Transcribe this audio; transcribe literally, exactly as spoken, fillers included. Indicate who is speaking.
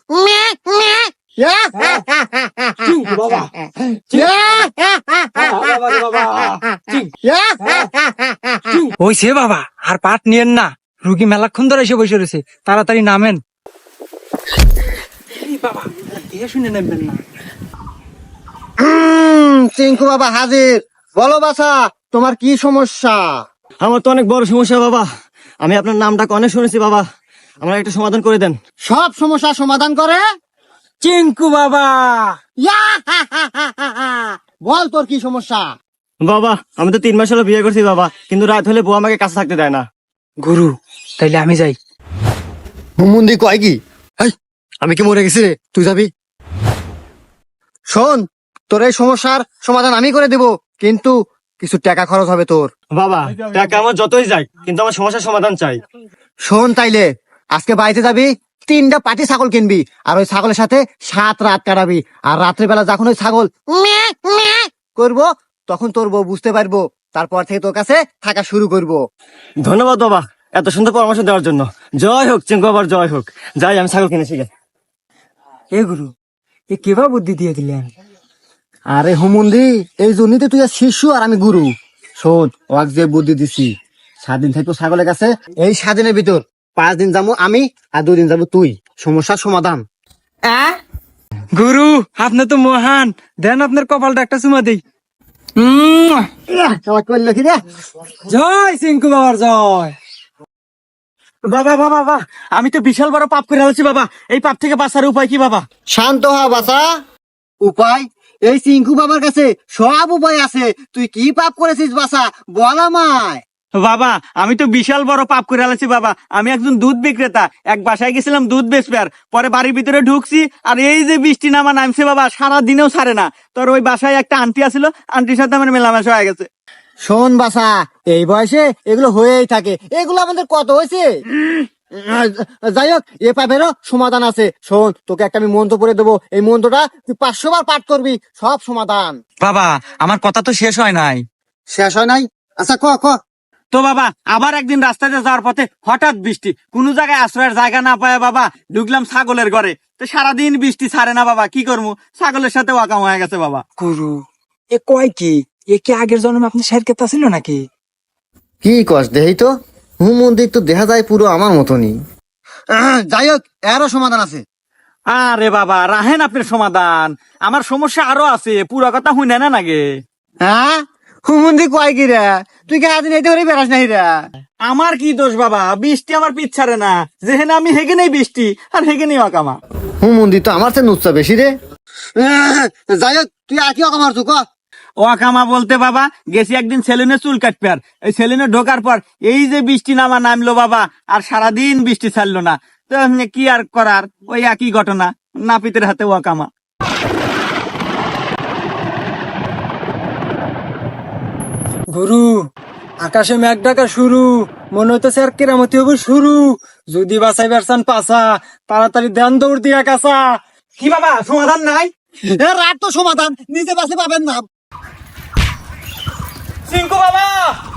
Speaker 1: হইছে বাবা, আর পাট নিয়েন না, রুগী মেলাক্ষণ ধরে এসে বসে রয়েছে, তাড়াতাড়ি নামেন। বাবা দেখে শুনে নেবেন না।
Speaker 2: চিঙ্কু বাবা হাজির। বলো বাছা, তোমার কি সমস্যা?
Speaker 3: আমার তো অনেক বড় সমস্যা বাবা, আমি আপনার নামটা অনেক শুনেছি বাবা, আমার একটা সমাধান করে দেন।
Speaker 2: সব সমস্যা সমাধান করে
Speaker 1: চিঙ্কু বাবা।
Speaker 2: বল তোর কি সমস্যা?
Speaker 3: বাবা আমি তো তিন মাস হলো বিয়ে করছি বাবা, কিন্তু রাত হলে বউ আমাকে কাছে থাকতে দেয় না।
Speaker 1: গুরু তাইলে আমি যাই।
Speaker 2: হুমুন্দি কয় কি? আমি কি মরে গেছি রে? তুই যাবি? শোন, তোর এই সমস্যার সমাধান আমি করে দেব, কিন্তু কিছু টাকা খরচ হবে তোর।
Speaker 3: বাবা টাকা আমার যতই যাই, কিন্তু আমার সমস্যার সমাধান চাই।
Speaker 2: শোন তাইলে, আজকে বাড়িতে যাবি, তিনটা পাটি ছাগল কিনবি, আর ওই ছাগলের সাথে সাত রাত কাটাবি, আর রাত্রিবেলা যখন ওই ছাগল ম্যাঁ ম্যাঁ করবো, তখন তোর বউ বুঝতে পারবো, তারপর থেকে তোর কাছে থাকা শুরু করবো।
Speaker 3: ধন্যবাদ বাবা এত সুন্দর পরামর্শ দেওয়ার জন্য। জয় হোক চিঙ্কু বাবার, জয় হোক। যাই আমি ছাগল কিনেছি গে।
Speaker 1: এ গুরু, এ কেবা বুদ্ধি দিয়ে দিলেন?
Speaker 2: আরে হুমুন্দি, এই জন্যই তো তুই আর শিশু আর আমি গুরু। শোন, ওয়াক যে বুদ্ধি দিছি, সাত দিন থাকবো ছাগলের কাছে, এই সাত দিনের ভিতর পাঁচ দিন যাবো আমি, আর দুই দিন যাবো তুই। সমস্যার সমাধান।
Speaker 1: গুরু আপনি তো মহান, দেন আপনার কপালটা একটা চুমা দেই।
Speaker 2: করলো কি রে?
Speaker 1: জয় চিঙ্কু বাবার জয়।
Speaker 3: বাবা বাবা বাবা, আমি তো বিশাল বড় পাপ করে আছি বাবা, এই পাপ থেকে বাঁচার উপায় কি বাবা?
Speaker 2: শান্ত হ বাছা। উপায়? এই চিঙ্কু বাবার কাছে সব উপায় আছে। তুই কি পাপ করেছিস বাছা, বল আমায়।
Speaker 3: বাবা আমি তো বিশাল বড় পাপ করে আছি বাবা, আমি একজন দুধ বিক্রেতা, এক বাসায় গেছিলাম দুধ বেচবে, আর পরে বাড়ির ভিতরে ঢুকছি, আর এই যে বৃষ্টি নামা নামছে বাবা, সারা দিনেও ছাড়ে না। তোর ওই বাসায় একটা আন্টি আছিল, আন্টির সাথে আমার মেলামেশা হয়ে গেছে।
Speaker 2: শোন বাছা, এই বয়সে এগুলো হয়েই থাকে, এগুলো আমাদের কত হয়েছে। যাই হোক, এ পাপেরও সমাধান আছে। শোন, তোকে একটা আমি মন্ত্র পড়ে দেবো, এই মন্ত্রটা তুই পাঁচশো বার পাঠ করবি, সব সমাধান।
Speaker 1: বাবা আমার কথা তো শেষ হয় নাই।
Speaker 2: শেষ হয় নাই? আচ্ছা ক ক।
Speaker 3: তো বাবা আবার একদিন রাস্তাতে যাওয়ার পথে হঠাৎ বৃষ্টি, কোন জায়গায় আশ্রয়ের জায়গা না পায় বাবা ঢুকলাম ছাগলের ঘরে, তো সারাদিন বৃষ্টি ছাড়ে না বাবা, কি করবো, ছাগলের সাথে ওয়াকাম হয়ে গেছে বাবা।
Speaker 1: গুরু এ কয় কি? এ কি আগের জন্মে আপনি শের কেতা ছিল নাকি?
Speaker 2: কি কস দেহি তো, হুম মন্দির তো দেখা যায় পুরো আমার মতনই। যাই হোক, এরও সমাধান আছে।
Speaker 3: আরে বাবা রাহেন আপনার সমাধান, আমার সমস্যা আরো আছে, পুরো কথা হুই না নাগে।
Speaker 2: হ্যাঁ, হুমন্দি কয় কি রে? তুই কে আদিন এইতে করে বেড়াস নাই রে?
Speaker 3: আমার কি দোষ বাবা, বৃষ্টি আমার পিছ ছাড়ে না, যেখানে আমি হেগে নেই বৃষ্টি, আর হেগে নেই অকামা।
Speaker 2: হুম মন্দির তো আমার চেয়ে নুচ্ছা বেশি রে। যাই হোক, তুই আর কি অকামার তুই ক।
Speaker 3: ওয়াকামা বলতে বাবা গেছি একদিন সেলুনে চুল কাটবে, আর এই সেলুনে ঢোকার পর এই যে বৃষ্টি নামা নামলো বাবা, আর সারাদিন বৃষ্টি ছাড়লো না, তো এমনি কি আর করার, ওই একই ঘটনা, নাপিতের হাতে ওয়াকামা।
Speaker 1: গুরু আকাশে মেঘ ডাকা শুরু, মনে হইতেছে আর কেরামতি হবে শুরু। যদি বাঁচাই বেরসান পাছা, তাড়াতাড়ি ধ্যান দৌড় দিয়া কাছা।
Speaker 3: কি বাবা সমাধান নাই?
Speaker 2: এ রাত তো সমাধান, নিজে বাসে পাবেন না।
Speaker 3: চিঙ্কু বাবা